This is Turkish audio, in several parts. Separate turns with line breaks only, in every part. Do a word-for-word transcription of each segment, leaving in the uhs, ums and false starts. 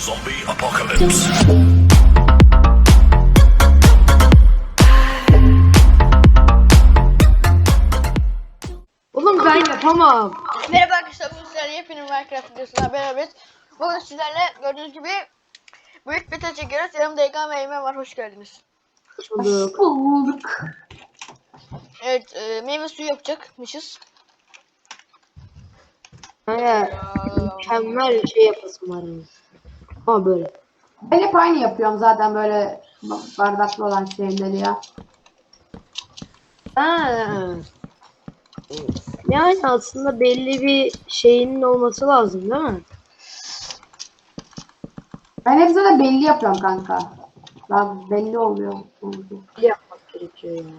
Zombie apocalypse.
Oğlum ben yapamam.
Merhaba arkadaşlar, bugün sizlerle yepyeni Minecraft videosuna beraberiz. Bugün sizlerle gördüğünüz gibi büyük beta çekiyoruz. Yanımda Egan ve Eymen var, hoş geldiniz.
Hoş bulduk.
Bulduk.
Evet, e, meyve suyu yapacakmışız.
He, mükemmel şey yapasım var. Yani. Ama böyle.
Ben hep aynı yapıyorum zaten böyle bardaklı olan şeyleri ya.
Ha. Yani aslında belli bir şeyinin olması lazım değil mi?
Ben hep zaten belli yapıyorum kanka. Daha belli oluyor.
Böyle yapmak gerekiyor yani.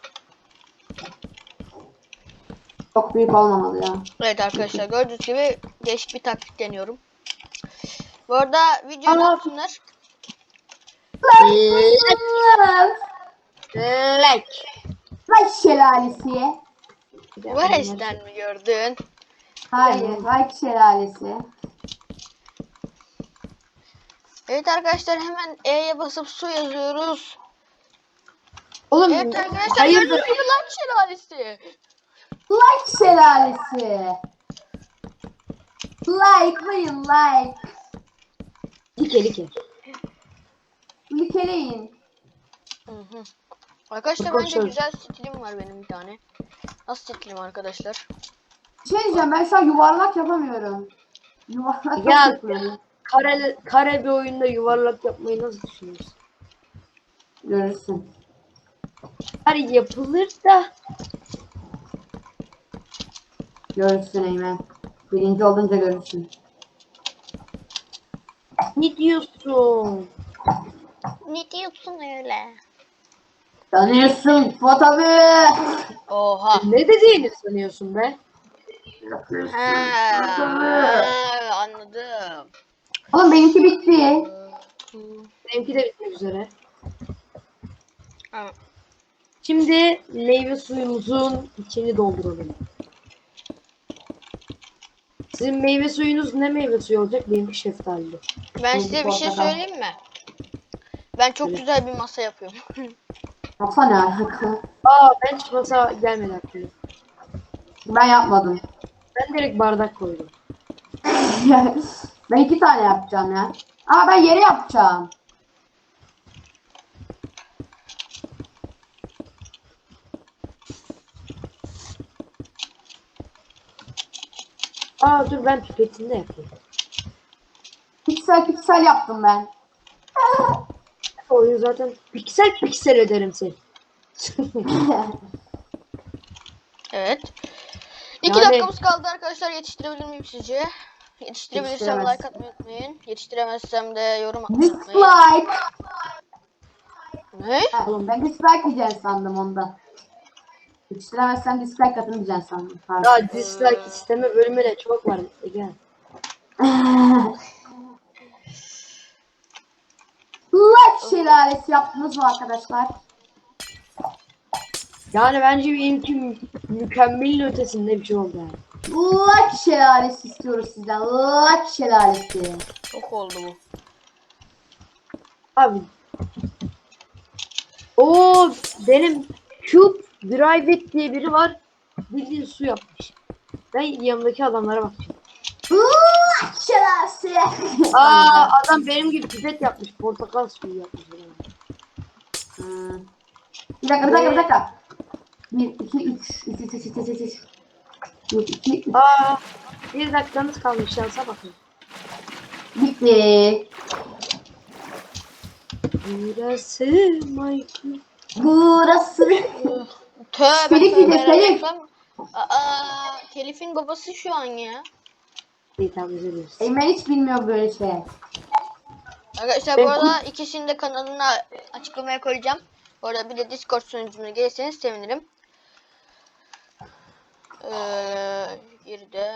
Çok büyük olmamalı ya.
Evet arkadaşlar, gördüğünüz gibi değişik bir taktik deniyorum. Bu arada videoyu ne
Aa.
yapsınlar?
Like.
Like şelalesi.
Vares'ten mi gördün?
Hayır, like şelalesi.
Evet arkadaşlar, hemen E'ye basıp su yazıyoruz.
Oğlum
Evet arkadaşlar,
hayırdır?
gördüğünüz gibi like şelalesi.
Like şelalesi. Like'layın like.
Like like.
Likeleyin.
Hı hı. Arkadaşlar bence
Arkadaşlar.
güzel stilim var benim bir tane. Nasıl stilim arkadaşlar?
Bir şey diyeceğim, ben şu an yuvarlak yapamıyorum. Yuvarlak
Ya.
yapıyorum.
Kare, kare bir oyunda yuvarlak yapmayı nasıl düşünüyorsun?
Görürsün.
Her yapılır da
Görürsün Eymen. Birinci olunca görürsün.
ne diyorsun?
Ne diyorsun öyle?
Tanıyorsun fotoğrafı.
Oha.
Ne dediğini sanıyorsun be?
Ha, anladım.
Oğlum benimki bitti.
Benimki de bitmek üzere.
Ha,
Şimdi meyve suyumuzun içini dolduralım. Sizin meyve suyunuz ne meyve suyu olacak? Benimki şeftali.
Ben size bir şey söyleyeyim mi? Ben çok
Evet.
güzel bir masa yapıyorum.
Yapsa ne alaka?
Aa ben hiç masa gelmedi aklıma.
Ben yapmadım.
Ben direkt bardak koydum.
Ben iki tane yapacağım ya. Ama ben yere yapacağım.
Aa dur ben pipetinde yapayım.
Piksel piksel yaptım ben.
Oyun zaten piksel piksel ederim seni.
Evet. İki
Yani-
dakikamız kaldı arkadaşlar. Yetiştirebilir miyim sizce? Yetiştirebilirsem
Yetiştiremez.
like atmayı unutmayın. Yetiştiremezsem de yorum atmayı unutmayın.
Dislike.
Ne?
Ha, oğlum ben dislike diyeceğim sandım onda. Yetiştiremezsem dislike atın diyeceğim sandım. Pardon.
Ya dislike isteme bölümü de çok var. E, Gel.
Like şelalesi yaptınız mı arkadaşlar?
Yani bence benimki mü- mükemmelin ötesinde bir şey oldu yani.
Like şelalesi istiyoruz sizden. Like şelalesi.
Çok oldu bu.
Abi. O benim Cube Drive diye biri var. Bildiğin su yapmış. Ben yanımdaki adamlara bakacağım.
Like şelalesi.
Aa adam benim gibi pipet yapmış. Portakal suyu yapmış.
Hmm. Bir dakika bir dakika bir dakika. Bir, iki, üç. Üç, üç, üç, üç, üç, üç. Bir, iki, üç.
Aa bir dakikamız kalmış şansa bakın.
Bitti.
Burası Michael.
Burası.
Tövbe
Telif
tövbe.
yiyeceğiz, telif.
reklam. Aa, Telif'in babası şu an ya.
İyi tamam üzülüyoruz.
Eymen hiç bilmiyor böyle şey.
Arkadaşlar
Ben-
bu arada ikisinin de kanalına açıklamaya koyacağım. Bu arada bir de Discord sunucuna gelirseniz sevinirim. Ee, bir de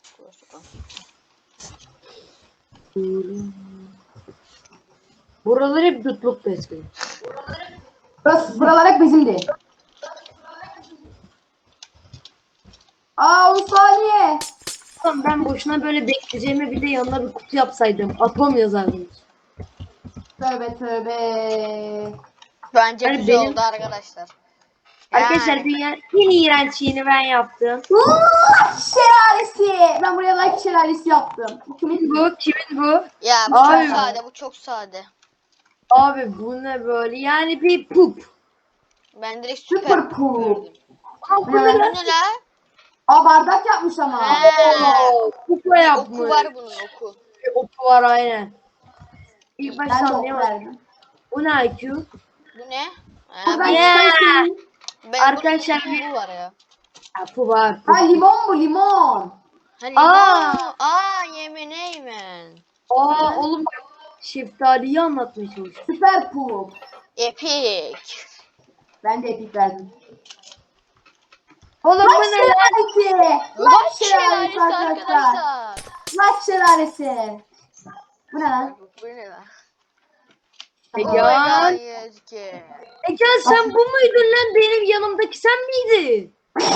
Buraları hep dutluk besliyor.
Burası, buralar hep bizimdi. Aa on saniye.
Ulan ben boşuna böyle bekleyeceğime bir de yanına bir kutu yapsaydım. Atom yazardım.
Tövbe tövbe.
Bence
Hani
güzel
benim-
oldu arkadaşlar.
Arkadaşlar
Yani.
dünyanın en iğrenç şeyini ben yaptım.
Uuu, şelalesi. Ben buraya like şelalesi yaptım. Bu kimin bu?
Bu kimin bu?
Ya bu
Abi.
çok sade, bu çok sade.
Abi bu ne böyle? Yani bir pup.
Ben direkt süper
Süper cool.
gördüm.
Aa, bu
Ne
ne
lan?
Bu
lan?
ne la?
Aa bardak yapmış ama.
He.
Oo, kupa
Bir
yapmış.
oku var bunun oku.
Bir oku var aynen. İlk başta
Ben de ok
anlayamadım.
verdim.
Bu ne I Q?
Bu ne? Ha,
Buradan
bu-
Yeah.
çıkarsın.
ben
Arkadaşlar
bunun
bir-
bu var ya.
Ha, bu var.
Ha limon bu limon.
Ha limon.
Aa.
Aa yemin eymen.
Aa oğlum bak, şeftaliyi anlatmaya çalışıyorum.
Süper pool.
Epic.
Ben de epik verdim.
Oğlum bu
Like
ne lan?
şelalesi.
Ulan
Like
şelalesi
şelalesi arkadaşlar.
arkadaşlar.
Like şelalesi. Bu ne lan?
Bu ne lan?
Egehan.
Yazık.
Egehan sen bu muydun lan? Benim yanımdaki sen miydin?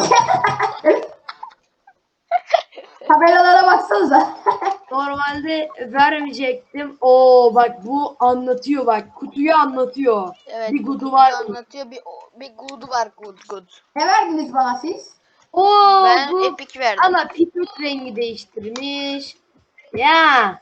Tabelalara baksanıza.
Normalde vermeyecektim. Oo bak bu anlatıyor bak. Kutuyu anlatıyor.
Evet.
Bir gudu
kutuyu
var.
Anlatıyor bir bir good var good good.
Ne verdiniz bana siz?
Oo
Ben
bu
epic verdim.
ama pipet rengi değiştirmiş. Ya.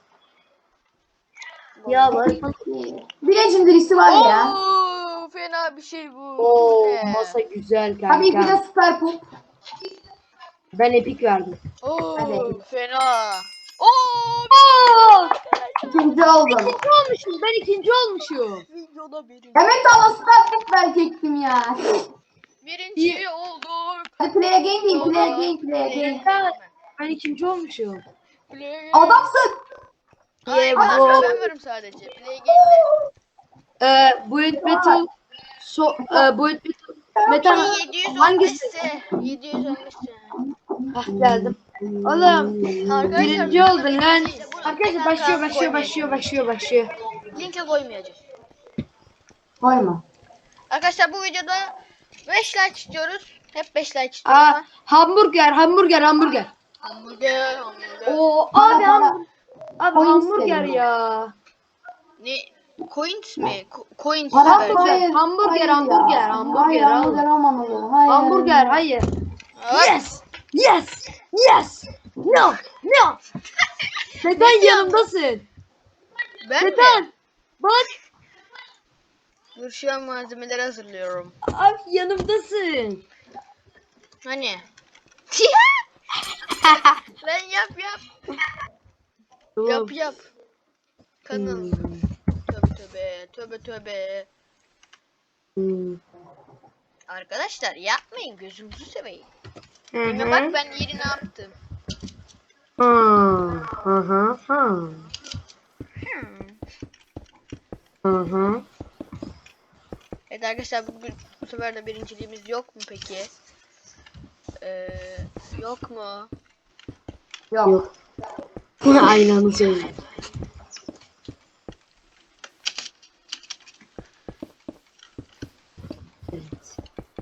Ya bak.
Bir legendary'si var ya.
Oo, fena bir şey bu.
Oo
Bu ne?
masa güzel
Tabii ki
kanka.
de süper pool.
Ben epik verdim.
Oo,
Hadi.
fena. Oo,
Oo!
İkinci oldum.
İkinci olmuşum. Ben ikinci olmuşum.
videoda birinci.
Demek sana süper pool verecektim ya.
Birinci olduk.
Hadi play again değil, play again, play again.
Ben, ben ikinci olmuşum.
Play.
Adamsın.
Ay,
Yeah,
ben,
bro.
ben varım sadece. Play game'de.
Ee, Bullet Battle so, e, Bullet Battle Metal
yedi
hangisi?
yüz on beş'te. yedi yüz on beş'te.
Hah geldim. Oğlum birinci oldun lan. Arkadaşlar başlıyor başlıyor başlıyor başlıyor başlıyor.
Linke koymayacağız.
Koyma.
Arkadaşlar bu videoda beş like istiyoruz. Hep beş like istiyoruz
Aa
ama.
hamburger hamburger hamburger.
Hamburger, hamburger.
Oo
Para,
abi
para.
ham abi
Coins
hamburger
dedim ben.
ya.
Ne? Coins mi? Co- coins
Para
vereceğim.
hayır.
Hamburger,
hayır ya.
hamburger, hamburger,
Hayır
al.
hamburger olmamalı. Hayır.
Hamburger hayır.
Evet.
Yes. Yes. Yes. No. No. Neden yanımdasın?
Ben mi?
Neden? Bak
Dur şu an malzemeleri hazırlıyorum.
abi yanımdasın.
Hani? Lan yap yap. Yap yap. Kanal.
Hmm.
Tövbe tövbe. Tövbe tövbe.
Hmm.
Arkadaşlar yapmayın, gözünüzü seveyim.
Hı
Yine
hı.
bak ben yeri ne yaptım.
Hı hı hı hı.
Hmm.
Hı hı.
Evet arkadaşlar bu, bu sefer de birinciliğimiz yok mu peki? Ee, yok mu?
Yok.
Yok. Aynı anda söyle. Evet.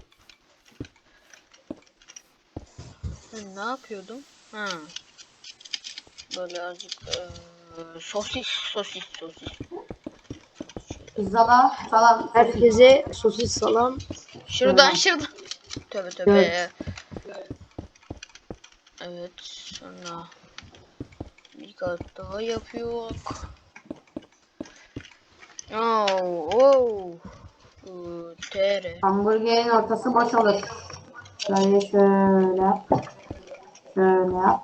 Ben ne yapıyordum? Ha. Böyle azıcık ee, sosis sosis sosis.
Pizzala falan.
Herkese sosis salam.
Şuradan şuradan. Tövbe tövbe.
Evet.
Evet sonra bir kat daha yapıyor. Oh, oh. Bu tere.
Hamburgerin ortası boş olur. Şöyle şöyle yap. Şöyle yap.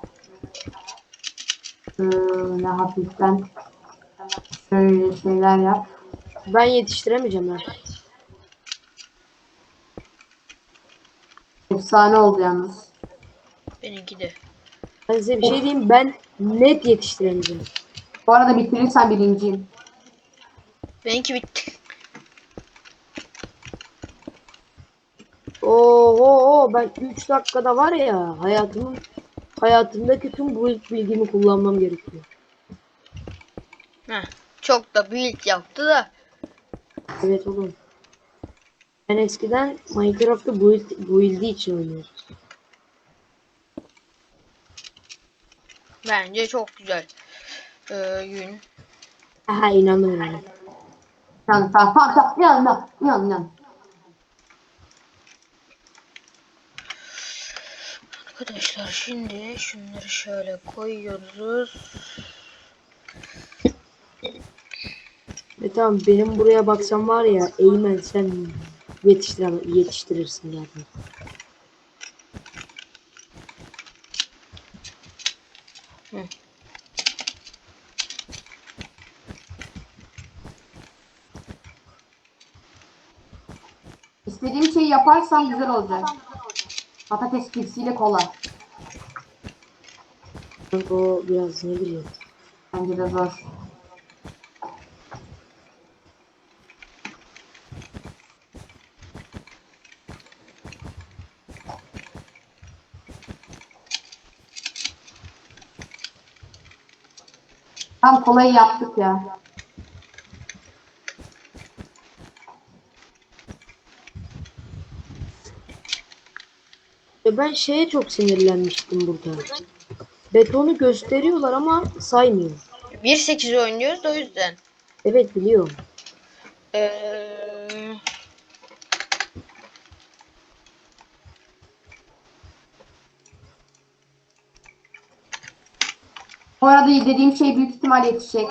Şöyle hafiften. Şöyle şeyler yap.
Ben yetiştiremeyeceğim ben.
Efsane oldu yalnız.
Benimki de.
Ben size bir şey diyeyim, ben net yetiştiremeyeceğim.
Bu arada bitirirsen birinciyim.
Benimki bitti.
Oo, ben üç dakikada var ya hayatımın hayatımdaki tüm bu bilgimi kullanmam gerekiyor.
Heh, çok da build yaptı da.
Evet oğlum. Ben eskiden Minecraft'ta build, build'i için oynuyordum.
Bence çok güzel. Ee, yün.
Aha inandım inandım.
Tamam tamam tamam tamam. İnan inan. İnan inan.
Arkadaşlar şimdi şunları şöyle koyuyoruz.
E tamam benim buraya baksam var ya Eymen sen yetiştir yetiştirirsin zaten.
Hı.
İstediğim şeyi yaparsam güzel olacak. Patates cipsiyle kola.
Kanka o biraz ne bileyim.
Bence de zor. Tam kolayı yaptık ya.
E ben şeye çok sinirlenmiştim burada. Betonu gösteriyorlar ama saymıyor.
bir sekiz oynuyoruz da o yüzden.
Evet biliyorum.
Ee,
Bu arada dediğim şey büyük ihtimal yetişecek.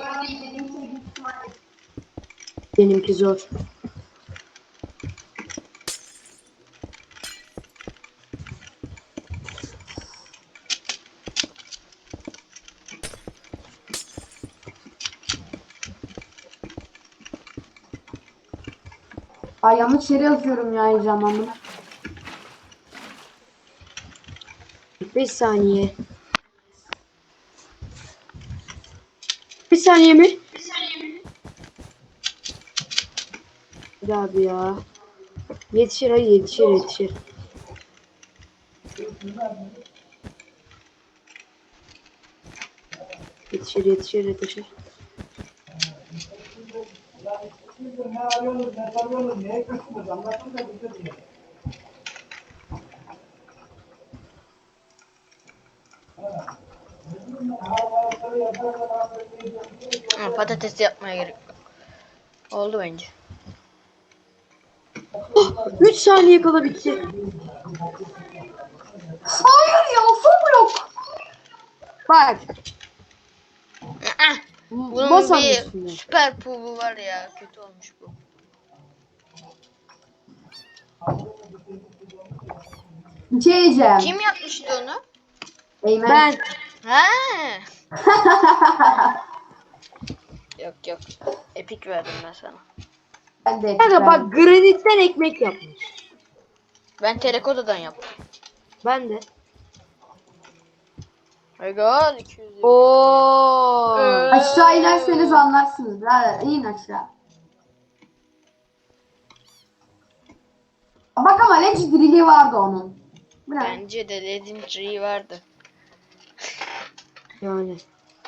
Benimki zor.
Ay yanlış yere yazıyorum ya heyecanlandım.
beş saniye. Bir saniye mi? Bir abi ya. Yetişir hayır yetişir yetişir. Yetişir yetişir yetişir.
ha, patates yapmaya gerek yok. Oldu bence.
üç saniye kala bitti.
Hayır ya son blok.
Bak.
Aa, bunun
Masanın
bir
üstünde.
süper pubu var ya. Kötü olmuş bu.
Bir şey diyeceğim.
Kim yapmıştı onu?
Eymen.
Ben.
Ha. Yok yok. Epik verdim ben sana.
Ben de
Kanka bak granitten ekmek yapmış.
Ben terakotadan yaptım.
Ben de.
Ego iki yüz.
Oo.
Ee,
Aşağı inerseniz anlarsınız. Birader in aşağı. Bak ama legendary vardı onun. Bu ne?
Bence de Legendary vardı.
Yani.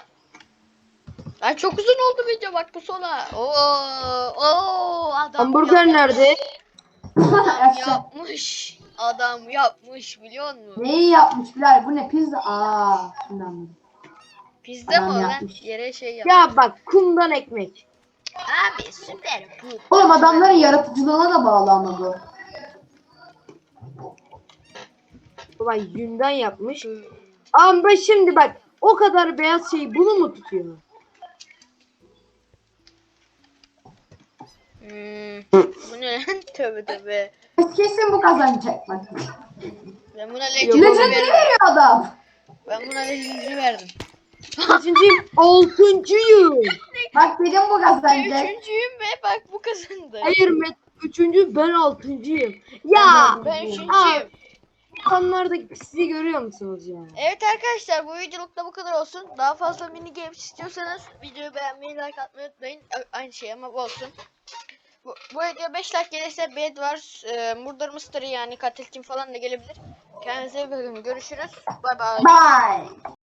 Ay çok uzun oldu video bak bu sona. Oo, oo adam
Hamburger
yapmış.
nerede?
Adam
Aşağı.
yapmış. Adam yapmış biliyor musun?
Neyi yapmış birader? Bu ne pizza? Aa, şimdi anladım.
Pizza
Adam
mı o lan?
yapmış.
Yere şey yapmış.
Ya bak kumdan ekmek.
Abi süper bu.
Oğlum adamların yaratıcılığına da bağlı ama bu.
Baba yünden yapmış. Ama şimdi bak o kadar beyaz şeyi bunu mu tutuyor?
Hmm, bu ne lan? Tövbe tövbe.
Kesin bu kazanacak bak.
Ben buna
Yok,
Legendary
Legendary
verdim.
veriyor adam.
Ben buna Legendary verdim.
Kaçıncıyım? Altıncıyım.
Bak dedim bu
Ben
kazanacak.
üçüncüyüm ve bak bu kazandı.
Hayır Met üçüncü ben altıncıyım. Ya
Ben
Aa.
üçüncüyüm.
insanlardaki pisliği görüyor musunuz ya?
Evet arkadaşlar bu videoluk da bu kadar olsun. Daha fazla mini games istiyorsanız videoyu beğenmeyi, like atmayı unutmayın. A- Aynı şey ama bu olsun. Bu, bu video beş like gelirse bed var. E, Murder Mystery yani katil kim falan da gelebilir. Kendinize iyi bakın. Görüşürüz. Bay bay.
Bye.